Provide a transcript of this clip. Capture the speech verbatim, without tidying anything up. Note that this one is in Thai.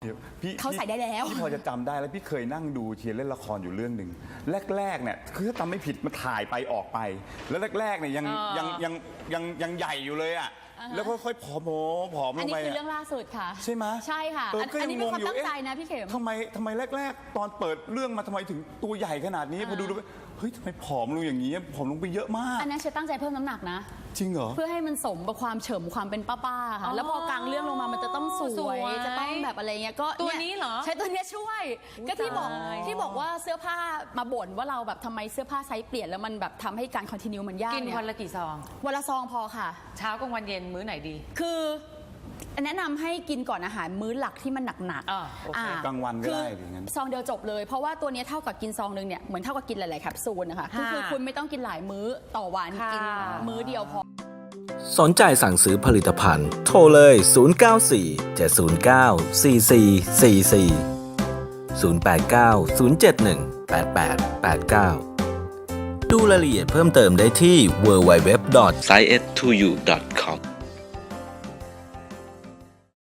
พี่เขาใส่ได้แล้วพี่พอจะจำได้แล้วพี่เคยนั่งดูเชียร์เล่นละครอยู่เรื่องหนึ่งแรกๆเนี่ยคือถ้าจำไม่ผิดมันถ่ายไปออกไป แล้วแรกๆเนี่ยยังเออยังยังยังยังใหญ่อยู่เลยอ่ะแล้วค่อยๆผอมๆผอมลอันงนี้ไปคือเรื่องล่าสุดค่ะใช่ไหมใช่ค่ะเอออันก็อันยังนี้เป็นความงงอยู่ตั้งใจเอ๊ะนะพี่เข็มทำไมทำไมแรกๆ ตอนเปิดเรื่องมาทำไมถึงตัวใหญ่ขนาดนี้พอดูดูไปเฮ้ยทำไมผอมลงอย่างนี้ผอมลงไปเยอะมากอันนั้นเชฟตั้งใจเพิ่มน้ำหนักนะจริงเหรอเพื่อให้มันสมกับความเฉิมความเป็นป้าๆค่ะ แล้วพอกลางเรื่องลงมามันจะต้องสสววย ยจะต้องแบบอะไรเงี้ยก็ตัวนี้เหรอใช้ตัวเนี้ยช่วย ก็ที่บอกตายที่บอกว่าเสื้อผ้ามาบ่นว่าเราแบบทำไมเสื้อผ้าไซส์เปลี่ยนแล้วมันแบบทำให้การคอนติเนียมันยากกินเนี่ยวันละกี่ซองวันละซองพอค่ะเช้ากลางวันเย็นมื้อไหนดีคือแนะนำให้กินก่อนอาหารมื้อหลักที่มันหนักอ่าโอเคกลางวันก็ได้คืออย่างนั้นซองเดียวจบเลยเพราะว่าตัวเนี้ยเท่ากับกินซองหนึงเนี่ยเหมือนเท่ากับกินหลายๆแคปซูลนะคะก็คือค่ะคุณไม่ต้องกินหลายมื้อต่อวันค่ะกินมื้อเดียวพอสนใจสั่งซื้อผลิตภัณฑ์โทรเลย ศูนย์ เก้า สี่ เจ็ด ศูนย์ เก้า สี่ สี่ สี่ สี่ ศูนย์ แปด เก้า ศูนย์ เจ็ด หนึ่ง แปด แปด แปด เก้า ดูรายละเอียดเพิ่มเติมได้ที่ ดับเบิลยู ดับเบิลยู ดับเบิลยู ดอท ไซเอส ทู ยู ดอท